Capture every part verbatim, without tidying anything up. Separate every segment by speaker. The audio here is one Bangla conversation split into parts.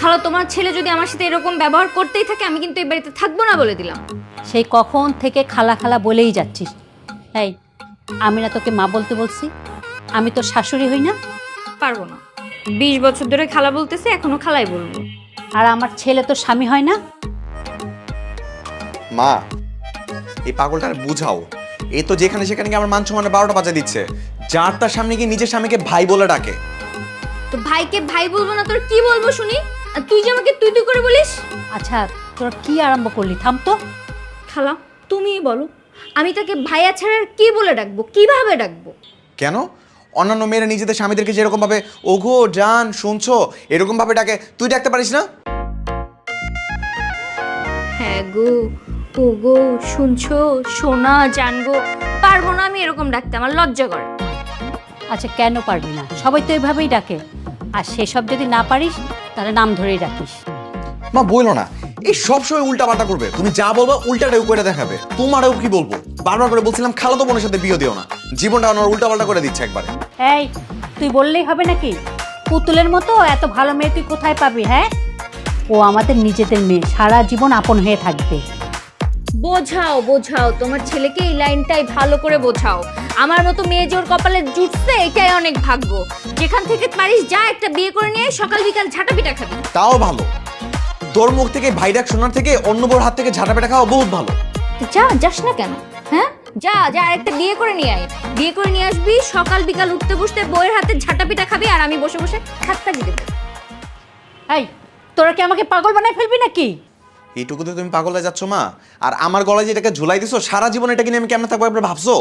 Speaker 1: খালা তোমার ছেলে যদি আমার সাথে এরকম ব্যবহার করতেই থাকে আমি কিন্তু এই বাড়িতে থাকবো না বলে দিলাম।
Speaker 2: সেই কখন থেকে খালা খালা বলেই যাচ্ছিস। এই আমি না তোকে মা বলতে বলছি? আমি তোর শাশুড়ি হই না?
Speaker 1: পারবো না, বিশ বছর ধরে খালা বলতেছে, এখনো খালাই বলবো।
Speaker 2: আর আমার ছেলে তোর স্বামী হয় না?
Speaker 3: মা এই পাগলটার বুঝাও, এই তো যেখানে সেখানে গিয়ে আমার মান সম্মানে বারোটা বাজা দিচ্ছে। যার তার সামনে গিয়ে নিজের স্বামীকে ভাই বলে ডাকে।
Speaker 1: তো ভাইকে ভাই বলবো না তোর কি বলবো শুনি? আর তুই যে আমাকে তুই তুই করে বলিস।
Speaker 2: আচ্ছা তোরা কি আরম্ভ করলি? থাম তো।
Speaker 1: খালা তুমিই বলো, আমি তাকে ভাইয়া ছাড়া আর কি বলে ডাকবো, কিভাবে ডাকবো?
Speaker 3: কেন অন্যান্য মেয়েরা নিজেদের স্বামীদেরকে যেরকম ভাবে ওগো জান শুনছো এরকম ভাবে ডাকে, তুই ডাকতে পারিস না?
Speaker 1: হ্যাঁ গো, ও গো, শুনছো, সোনা, জানগো, পারবো না আমি এরকম ডাকতে, আমার লজ্জা করে।
Speaker 2: আচ্ছা কেন পারবি না? সবাই তো এইভাবেই ডাকে। আর সেসব যদি না পারিস তাহলে নাম ধরেই ডাকিস।
Speaker 3: মা বইলো না, এই সব সময় উল্টা পাল্টা করবে। তুমি যা বলবো উল্টাটাও করে দেখাবে। তোমারও কি বলবো, বারবার করে বলছিলাম খালাতো বোনের সাথে বিয়ে দিও না, জীবনটা আমার উল্টা পাল্টা করে দিচ্ছে একবারে।
Speaker 2: এই তুই বললেই হবে নাকি? পুতুলের মতো এত ভালো মেয়ে তুই কোথায় পাবি? হ্যাঁ, ও আমাদের নিজেদের মেয়ে, সারা জীবন আপন হয়ে থাকবে।
Speaker 1: বোঝাও বোঝাও, তোমার ছেলেকে এই লাইনটাই ভালো করে বোঝাও। আমার মতো মেয়ে যে ওর কপালে জুটছে এটাই অনেক ভাগ্য। যেখান থেকে পারিস যা একটা বিয়ে করে নিয়ে সকাল বিকাল ঝাঁটা পিটা খাবি।
Speaker 3: তাও ভালো, তোর মুখ থেকে ভাই ডাক শোনার থেকে অন্য বউর হাত থেকে ঝাঁটা পেটা খাওয়া বহুত ভালো।
Speaker 1: যা, যাস না কেন? হ্যাঁ যা যা, একটা বিয়ে করে নিয়ে আয়। বিয়ে করে নিয়ে আসবি, সকাল বিকাল উঠতে বসতে বউয়ের হাতে ঝাঁটা পিটা খাবি আর আমি বসে বসে খাত্তা দিয়ে দেবো।
Speaker 2: এই তোরা কি আমাকে পাগল বানায় ফেলবি নাকি?
Speaker 3: এইটুকুতে তুমি পাগল হয়ে যাচ্ছ মা? আর আমার গলায় যে এটাকে ঝুলাই দিছো, সারা জীবন এটাকে নিয়ে আমি কেমন থাকবো একবার ভাবছো?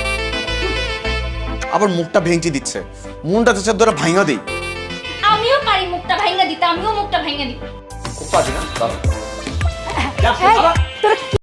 Speaker 3: আবার মুখটা ভেঙচি দিচ্ছে, মনটা চাচার ধরে ভাঙা দিই।
Speaker 1: আমিও পারি মুখটা ভাঙা দিতে, আমিও মুখটা ভাঙা দিই।
Speaker 3: খুব পারি না।
Speaker 2: এই, তোরা